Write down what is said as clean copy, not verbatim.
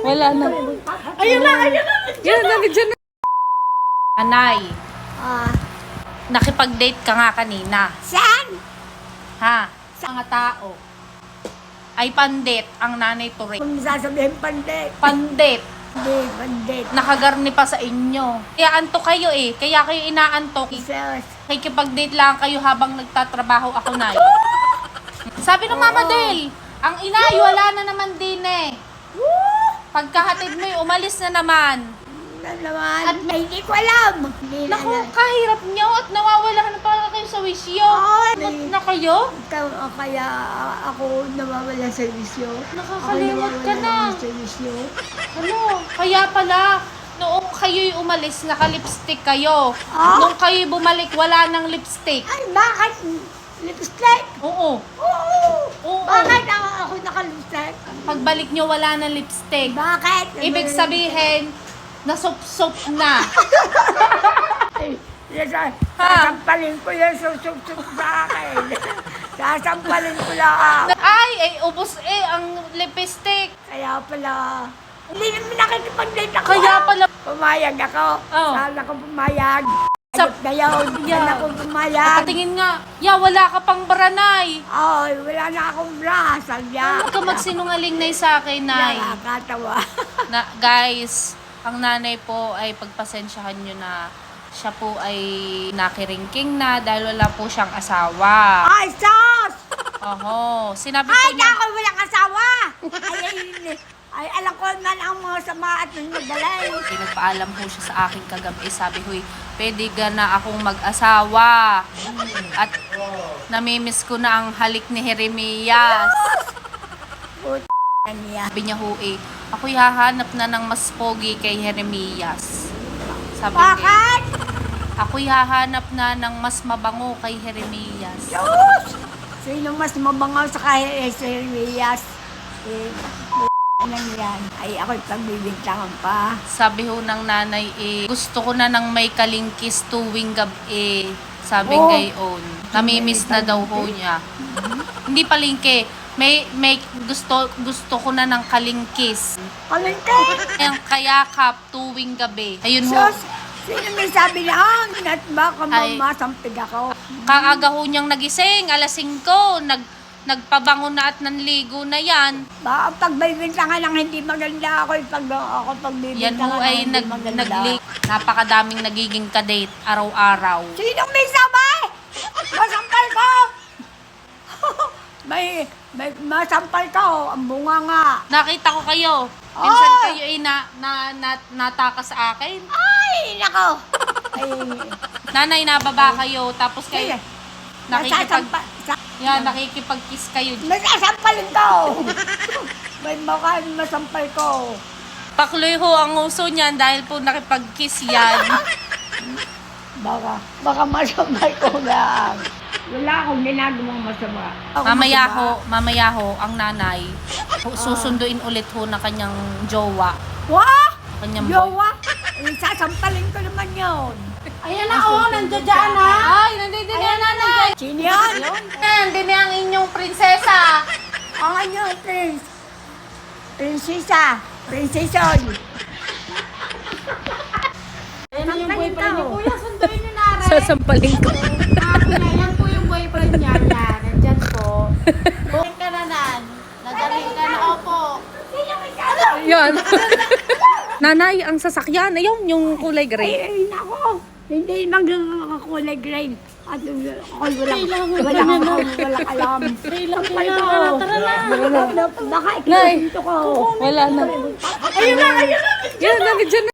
Wala na. Ayun na, ayun na. Yan, nandiyan na. Anay, Ah, nakipag-date ka nga kanina. saan? Ha? Sa mga tao. Ay pandit ang nanay Ture. Kung sasabihin pandit. Pandit. Hindi, pandit. Nakagarni pa sa inyo. Kaya antok kayo eh. Kaya kayo inaantok. Jesus. Nakikipag-date lang kayo habang nagtatrabaho ako, Nay. Sabi ng Mama Del, ang inay, wala na naman din eh. Pagkahatid mo umalis na naman. Na naman. At hindi ko alam. Hindi Naku, na. kahirap nyo at nawawala na pala kayo sa wisyo. Ay. Na kayo? Kaya ako nawawala sa visyo. Nakakalimot ka na. Sa visyo. Ano? Kaya pala, noong kayo'y umalis, naka-lipstick kayo. Ah? Nung kayo'y bumalik, wala nang lipstick. Ay, bakit? Lipstick? Oo. Oo. Oo. Bakit ako naka-lipstick? Pagbalik nyo, wala nang lipstick. Bakit? Ibig sabihin, nasup-sup na. Ay, sasampalin ko yung susuk-suk sa akin. Sasampalin ko lang. Ay, ubos ang lipstick. Kaya pala, hindi naman nakikipag-date ako. Kaya pala, Pumayag ako. Oh. Sana ko pumayag. Sa- Ayot na yun. Yeah. Sana ko pumayag. patingin nga, wala ka pang baranay. Ay, wala na akong bra. Sadya. Huwag ka magsinungaling na sa akin, Nay. Nakakatawa. Guys, ang nanay po ay pagpasensyahan nyo na siya po ay nakiringking na dahil wala po siyang asawa. Ay, sos! Oho, sinabi po Ay, niya. ako walang asawa. Ay, alam ko na ang mga sama at magaling. Nagpaalam po siya sa akin kagabi. Sabi, huy, pwede ka na akong mag-asawa. At namimiss ko na ang halik ni Jeremias. Puta niya. Sabi niya, huy, ako'y hahanap na ng mas pogi kay Jeremias. Sabi niya, Bakit? ako'y hahanap na ng mas mabango kay Jeremias. Diyos! Sino mas mabangaw sa kahit Jeremias? Nang yan. Ay, ako'y pagbibintangan pa. Sabi ho ng nanay, gusto ko na ng may kalingkis tuwing gabi. Sabi Oh. ngayon. Namimiss na daw ho niya. Hindi palingke. May gusto ko na ng kalingkis. Kalinte! Ang kayakap tuwing gabi. Ayun ho. Sus! Sino may sabi na, at baka Ay. mamasampig ako. Kaaga ho niyang nagising. Alas 5. Nagpabango na at nanligo na yan. Baka pagbibintangan ng hindi maganda ako, ako Yan ho pagbibintangan ng ay hindi maganda. napakadaming nagiging kadate araw-araw. Sinong may sabay? Masampal ko! may masampal ko, ang bunga nga. Nakita ko kayo. Minsan Oh! kayo ay nataka sa akin. Ay, nako! Ay, Nanay, nababa kayo. Tapos kayo, sige. nakikipag-kiss kayo. Masasampalin ko! May mukha masampal ko. Pakloy ho ang uso niyan dahil po nakipag-kiss yan. Baka masampal ko lang. Wala akong ginagawang masama. Mamaya ho, ang nanay, susunduin ulit ho na kanyang jowa. Wah! Kanyang boy. Yowa! Sasampalin ko naman yun. Ayan na, nandiyan dyan na. Ay, nandito na nanay. Sino yan? Nandito na ang inyong prinsesa. Ang ano, prince? Prinsesa. Prinseson. Ayan na yung boyfriend niya. Kuya, sunduin niyo na rin. Sasampalin ko. Yan po yung boyfriend niya. Yan, nandyan po. Balik ka na nan. Nagaling ka na, opo. Yan. Nanay, ang sasakyan. Ayun, yung kulay gray. Ay, nako. Hindi magkakakulay green. At ako'y walang alam. Sampal ko. Baka Nay. ikikinto ko. Wala na. Ayun na, ayun na. Yan, nandiyan na.